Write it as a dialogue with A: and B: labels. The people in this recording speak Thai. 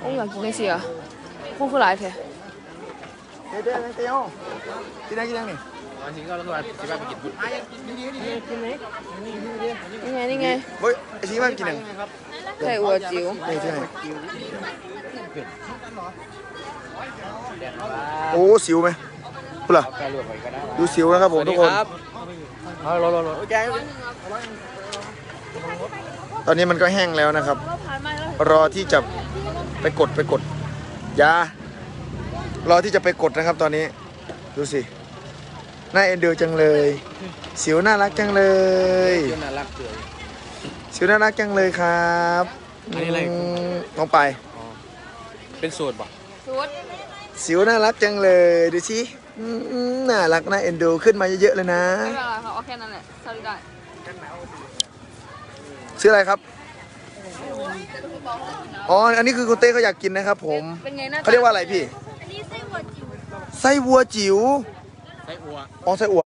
A: อ้อยากกินไม่เสียพวกคือหลายแท้
B: เดี๋ยวเตี้ยวกินได้กินยังนี่
C: จริงก็แล้วก็สิบ้าไปกินพุทธ
A: นี่ไง
B: เฮ้ยไอ้ชี้มันกินยัง
A: ไก่อัวจิ๋ว
B: นี่ที่ไหนโอ้สิวไหมพูดล่ะดูสิวนะครับผมทุกคนตอนนี้มันก็แห้งแล้วนะครับรอที่จะไปกดยารอที่จะไปกดนะครับตอนนี้ดูสิน่าเอ็นดูจังเลยสิวน่ารักจังเลยสิวน่ารักจังเลยครับน้องไป
C: เป็นสูตรป่ะ
A: สูตร
B: สิวน่ารักจังเลยดูสิน่ารักน่าเอ็นดูขึ้นมาเยอะๆเลยนะ
A: ไม่เป็นไรค่ะเอาแค่นั้นแหละสลิดได้
B: ชื่ออะไรครับอ๋ออันนี้คือคุณเต้เขาอยากกินนะครับผม
A: เป็นไงหน้า
B: เขาเรียกว่าอะไรพี่
A: อันนี้ไส้หัวจิ๋ว
B: ไส้วัวจิ๋ว
C: ไส้อัว
B: อ๋อไส้อั่ว